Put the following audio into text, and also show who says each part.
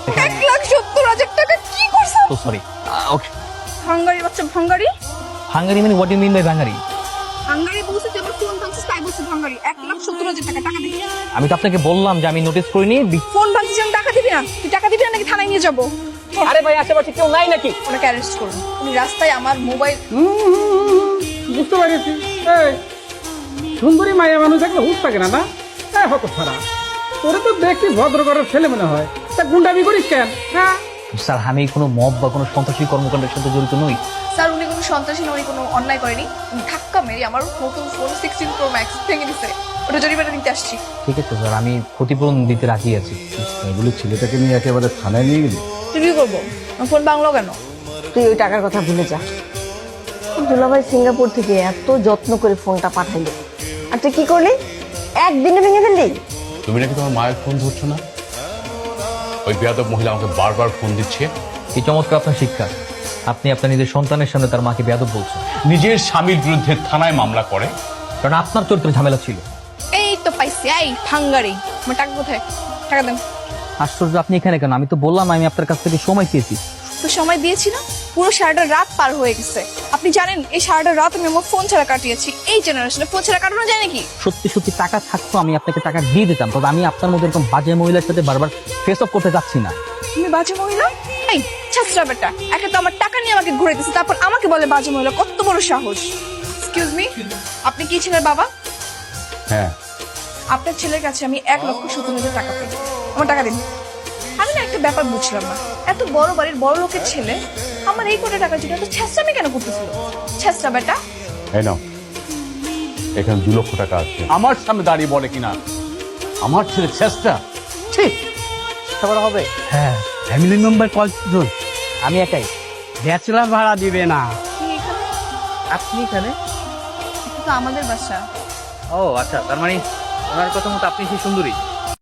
Speaker 1: 1,70,000 টাকা কি করছো?
Speaker 2: তো সরি। ওকে।
Speaker 1: ভাঙ্গারি বাচ্চা, ভাঙ্গারি।
Speaker 2: হাঙ্গারি মানে what you mean by Bangali?
Speaker 1: ভাঙ্গারি বলছে যে আমার ফোন ভাঙছিস, তাই বলছে ভাঙ্গারি। 1,70,000 টাকা, টাকা দিবি।
Speaker 2: আমি তো আপনাকে বললাম যে আমি নোটিস করিনি।
Speaker 1: ফোন ভাঙছিস, আমি টাকা দিবি না? তুই টাকা দিবি না নাকি থানায় নিয়ে যাবো?
Speaker 2: আরে ভাই আশেপাশে কেউ নাই নাকি?
Speaker 1: ওনাকে অ্যারেস্ট করুন। উনি রাস্তায় আমার মোবাইল।
Speaker 3: বুঝতে পারছি। এই সুন্দরী মায়া মানুষ থাকলে হুশ থাকে না, না? হত ছাড়া তোরে তো দেখছি ভদ্র ঘরের ছেলে মনে হয়, তা গুন্ডামি করিস কেন? হ্যাঁ
Speaker 2: স্যার আমি কোনো মব বা কোনো সন্ত্রাসী কর্মকাণ্ডের সাথে জড়িত নই।
Speaker 1: স্যার উনি কোনো সন্ত্রাসী নয়, উনি কোনো অন্যায় করেনি। উনি ধাক্কা মেরে আমার নতুন ফোন 16 Pro Max ভেঙে দিছে। ওটা জরিমানা দিতে আসছি।
Speaker 2: ঠিক আছে স্যার, আমি ক্ষতিপূরণ দিতে রাজি আছি।
Speaker 4: এগুলো ছেলেটাকে নিয়ে একেবারে থানায় নিয়ে গেলি?
Speaker 1: তুই কি করবো? আমার ফোন ভাঙলো কেন?
Speaker 5: তুই ওই টাকার কথা ভুলে যা। দুলাভাই সিঙ্গাপুর থেকে এত যত্ন করে ফোনটা পাঠাইলো, আর তুই কি করলি? একদিনে ভেঙে ফেললি।
Speaker 6: তুমি নাকি তোমার মায়ের ফোন ধরছো না? ওই বেয়াদব মহিলা আমাকে বারবার ফোন দিচ্ছে।
Speaker 2: এই চমৎকার আপনার শিক্ষা। আপনি আপনার নিজের সন্তানের সামনে তার মাকে বেয়াদব বলছেন,
Speaker 6: নিজের স্বামীর বিরুদ্ধে থানায় মামলা করে।
Speaker 2: কারণ আপনার চরিত্রে ঝামেলা ছিল।
Speaker 1: এই তো পাইছি, এই ভাঙ্গারি। আমার টাকা কোথায়? টাকা দেন।
Speaker 2: আশ্চর্য, আপনি এখানে কেন? আমি তো বললাম আমি আপনার কাছ থেকে সময় চেয়েছি।
Speaker 1: তো সময় দিয়েছি না? পুরো সারাটা রাত পার হয়ে গেছে। আপনি জানেন এই সারাটা রাত আমি আমার ফোন ছাড়া কাটিয়েছি। এই জেনারেশনে ফোন ছাড়া কাটানো যায় নাকি?
Speaker 2: সত্যি সত্যি টাকা থাকতো আমি আপনাকে টাকা দিয়ে দিতাম, তবে আমি আপনার মধ্যে এরকম বাজে মহিলার সাথে বারবার ফেস অফ করতে যাচ্ছি না।
Speaker 1: তুমি বাজে মহিলা? এই ছাত্রা বেটা, একে তো আমার টাকা নিয়ে আমাকে ঘুরে দিচ্ছে, তারপর আমাকে বলে বাজে মহিলা। কত বড় সাহস! এক্সকিউজ মি, আপনি কি ছেলের বাবা?
Speaker 6: হ্যাঁ,
Speaker 1: আপনার ছেলের কাছে আমি 1,70,000 টাকা পাই। আমার টাকা দিন। আমি না একটা ব্যাপার বুঝলাম না, এত বড় বাড়ির বড় লোকের ছেলে আমার এই কোটি টাকার জন্য এত ছেঁচড়ামি কেন করতেছিল? ছেঁচড়া বেটা।
Speaker 6: এই নাও, এখানে 2 লক্ষ টাকা আছে। আমার সামনে দাঁড়িয়ে বলে কিনা আমার ছেলে চেষ্টা। ঠিক
Speaker 3: খবর হবে।
Speaker 2: হ্যাঁ,
Speaker 3: ফ্যামিলি মেম্বার কতজন?
Speaker 2: আমি একাই।
Speaker 3: ব্যাচেলার ভাড়া দিবে না।
Speaker 1: কি এখানে?
Speaker 2: আপনি এখানে?
Speaker 1: এটা তো আমাদের বাসা।
Speaker 2: ও আচ্ছা, তার মানে ওনার কথা মতো আপনি সেই সুন্দরী।